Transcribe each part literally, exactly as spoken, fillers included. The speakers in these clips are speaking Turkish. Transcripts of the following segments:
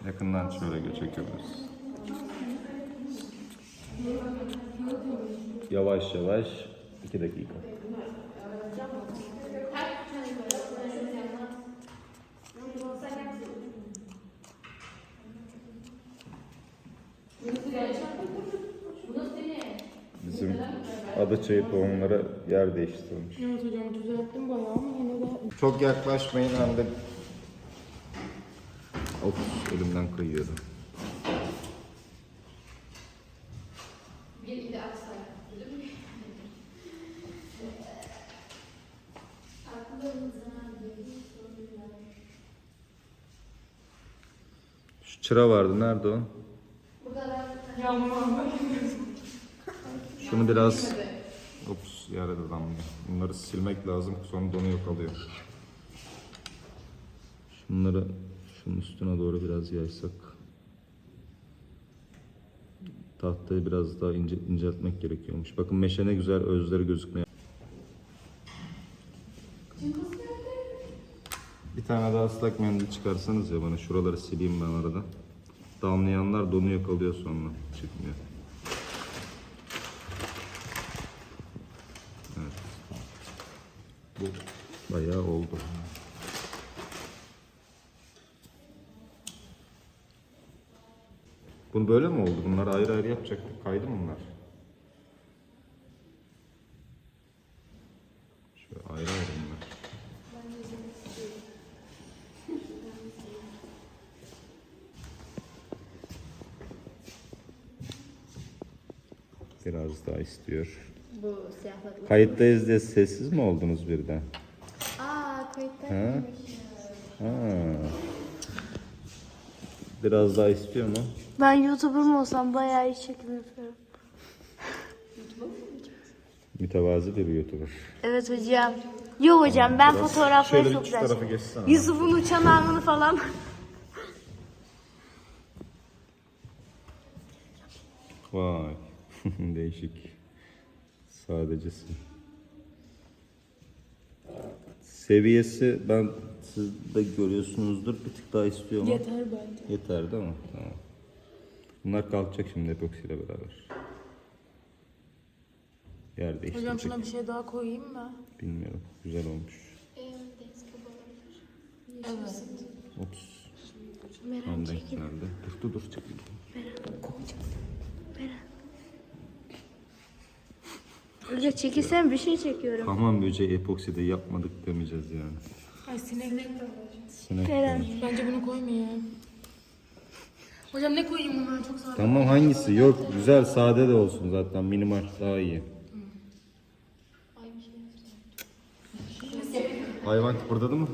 Yakından şöyle çekebiliriz. Yavaş yavaş iki dakika. Bizim Adaçayı tohumlara yer değiştirmiş. Evet hocam düzelttim bayağı ama yine de... Çok yaklaşmayın hem de... Of, elimden kayıyordu. Şu çıra vardı, nerede o? Şunu biraz... Ops, yerde damlıyor. Bunları silmek lazım, sonra donuyor kalıyor. Şunları şunun üstüne doğru biraz yaysak. Tahtayı biraz daha ince, inceltmek gerekiyormuş. Bakın meşe ne güzel özleri gözükmüyor. Bir tane daha ıslak mendil çıkarsanız ya bana, şuraları sileyim ben arada. Damlayanlar donuyor kalıyor, sonra çıkmıyor. Evet. Bu bayağı oldu. Bunu böyle mi oldu? Bunları ayrı ayrı yapacaktık. Kaydı mı bunlar? Şöyle ayrı ayrı bunlar. Biraz daha istiyor. Bu siyahlıklı. Kayıttayız diye sessiz mi oldunuz birden? Aa kayıtta. Ha? Ha. Biraz daha istiyor mu? Ben YouTuber'ım olsam bayağı iyi çekim yapıyorum. Mütevazi bir YouTuber. Evet hocam. Yok hocam ben Biraz fotoğrafları şöyle çok şu güzel tarafa çekiyorum. geçsene. Yusuf'un uçan anını falan. Vay. Değişik. Sadecesi. Seviyesi ben siz de görüyorsunuzdur. Bir tık daha istiyor mu? Yeter bence. Yeter değil mi? Tamam. Bunlar kalkacak şimdi epoksiyle beraber. Yer değiştirecek. Hocam şuna bir şey daha koyayım mı? Bilmiyorum. Güzel olmuş. Evet. Ops. Tam denk geldi. Dur dur dur. Çekil. Hoca çekilsem bir şey çekiyorum. Hamam böceği epokside yapmadık demeyeceğiz yani. Ay sineklik. Sinek Eren. demiş. Bence bunu koymayayım. Hocam ne koyayım bunlar çok sade. Tamam, hangisi? Yok, güzel sade de olsun zaten, minimal daha iyi. Hayvan kıpırdadı mı?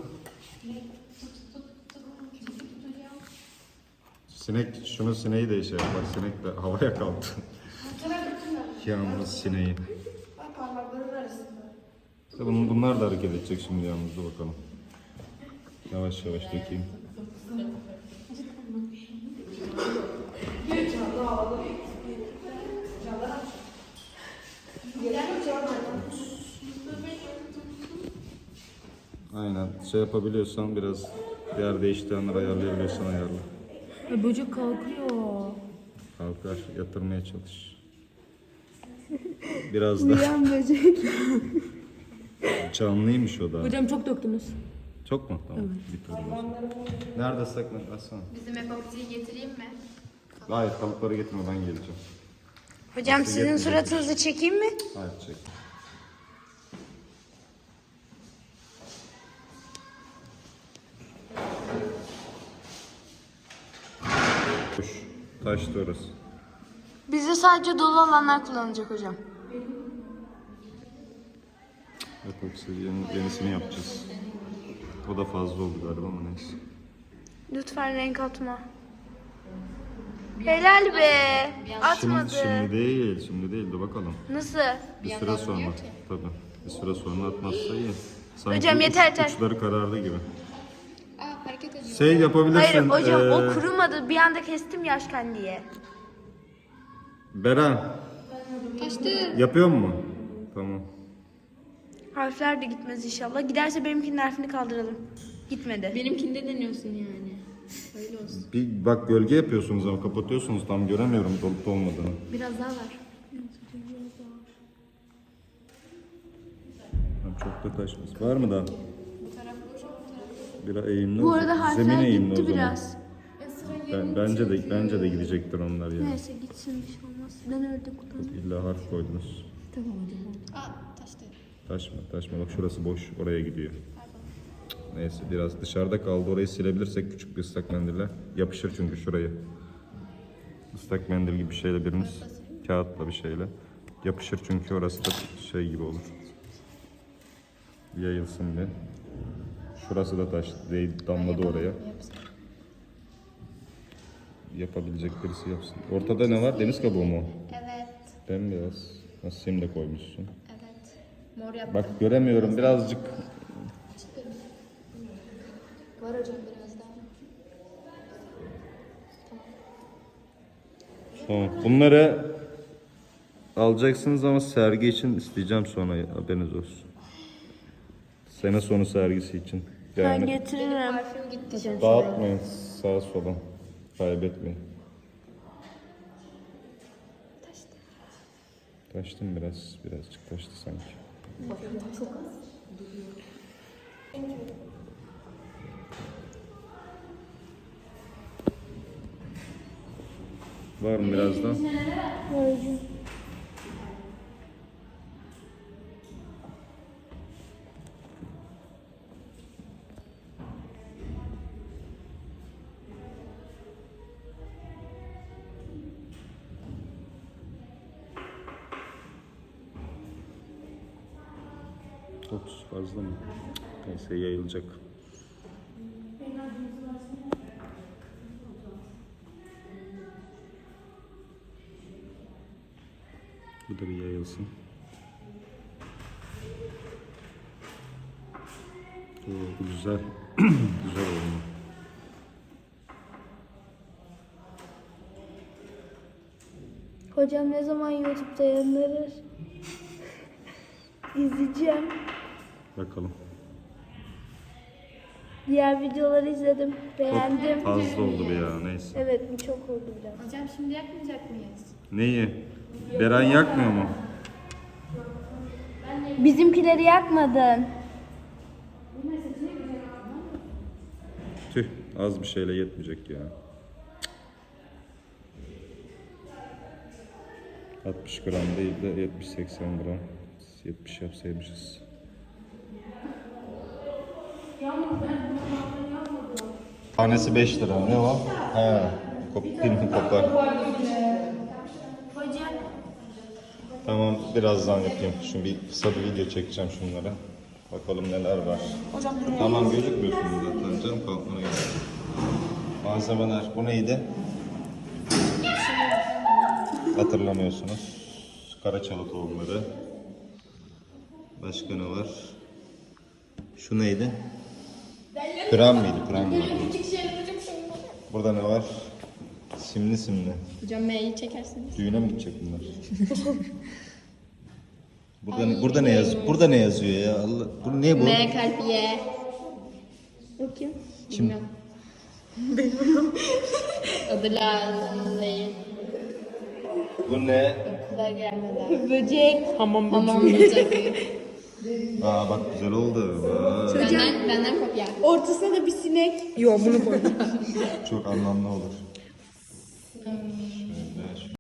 Sinek, şunu sineği de işe bak, sinek de havaya kalktı. Yalnız sineği. İşte bunun, bunlar da hareket edecek şimdi yalnız, dur bakalım. Yavaş yavaş dökeyim. Aynen, şey yapabiliyorsan biraz yer değiştirenleri ayarlayabiliyorsan ayarla. Ya böcek kalkıyor. Kalkar, yatırmaya çalış. Biraz da Uyan böcek. canlıymış o da. Hocam çok döktünüz. Çok mu? Tamam. Bitirdim o zaman. Nerede saklan? Açsana. Bizim epoksiyi getireyim mi? Hayır, kalıpları getirme, ben geleceğim. Hocam Nasıl sizin yapacak? suratınızı çekeyim mi? Hayır, çek. Boş. Taştı orası. Bizde sadece dolu alanlar kullanılacak hocam. Epoksi yeni, yenisini yapacağız. O da fazla oldu galiba ama neyse. Lütfen renk atma. Helal be. Atmadı. Şimdi, şimdi değil, şimdi değil de bakalım. Nasıl? Bir süre sonra. Tabii. Bir süre sonra atmazsa iyi. Sanki Hocam yeter, uç- yeter. Uçları karardı gibi. Aa hareket ediyor. Şey yapabilirsin. Hayır hocam eee, o kurumadı. Bir anda kestim yaşken diye. Beren, Kaçtı. yapıyor mu? Tamam. Harfler de gitmez inşallah. Giderse benimkinin harfini kaldıralım. Gitmedi. Benimkinde deniyorsun yani. Öyle olsun. Bir bak gölge yapıyorsunuz ama kapatıyorsunuz, tam göremiyorum dolup olmadığını. Biraz daha var. Çok da taşmaz. Var mı daha? Bu taraf boş, bu taraf. Biraz eğimli Bu olacak. arada Zemin harfler eğimli gitti o zaman. biraz. Ben, bence de bence de gidecektir onlar ya. Neyse gitsin bir şey olmaz. Ben öyle kullanırım. İlla harf koydunuz. Aa taştı. Taşma taşma, bak şurası boş, oraya gidiyor. Neyse biraz dışarıda kaldı, orayı silebilirsek küçük bir ıslak mendille. Yapışır çünkü şurayı. Islak mendil gibi bir şeyle biriniz, kağıtla bir şeyle. Yapışır çünkü orası da şey gibi olur. Yayılsın bir. Şurası da taş değil, damladı oraya. Yapabilecek birisi yapsın. Ortada ne var? Deniz kabuğu mu? Evet. Bembeyaz. Nasıl sim de koymuşsun. Evet. Mor yaptım. Bak göremiyorum birazcık. Var hocam biraz daha. Tamam. Bunları alacaksınız ama sergi için isteyeceğim sonra, haberiniz olsun. Sene sonu sergisi için. Ben Yani getiririm. Parfüm gitti. dağıtmayın sağa sola. Kaybetmeyin. Taştı. Taştı mı biraz? Birazcık taştı sanki. Çok az. Var mı birazdan? otuz fazla mı? Neyse yayılacak. Bu da bir yayılsın. Oo, bu güzel. Güzel oldu. Hocam ne zaman YouTube'da yayınlanır? İzleyeceğim. Bakalım. Diğer videoları izledim. Beğendim. Fazla oldu bir ya, neyse. Evet bu çok oldu biraz. Hocam şimdi yakmayacak mıyız? Neyi? Beren yakmıyor mu? Bizimkileri yakmadın. Tüh, az bir şeyle yetmeyecek ya. altmış gram değil de yetmiş seksen gram. yetmiş yapsaymışız. Tanesi beş lira. Ne o? He. Pin kopar. Tamam, birazdan yapayım. Şimdi bir kısa bir video çekeceğim şunlara. Bakalım neler var. Hocam tamam, gözükmüyorsunuz zaten canım, kalkmana gerek yok. Malzemeler. Bu neydi? Hatırlamıyorsunuz. Karaçalı tohumları. Başka ne var? Şu neydi? Pıram mıydı? Pıram mıydı? Burada ne var? Simli simli. Hocam M'yi çekersiniz. Düğüne mi gidecek bunlar? Burada ne, burada ne yaz? Burada ne yazıyor ya? Allah, bu ne bu? M kalp Y. O kim? Kim? Bilmiyorum. Adı Lale'yi. Bu ne? Da gelmeden. Böcek. Hamam Hamam böceği. Aa bak güzel oldu. Vay. Benden, benden kopya. Ortasına da bir sinek. Yok bunu koydum. Çok anlamlı olur. Hmm.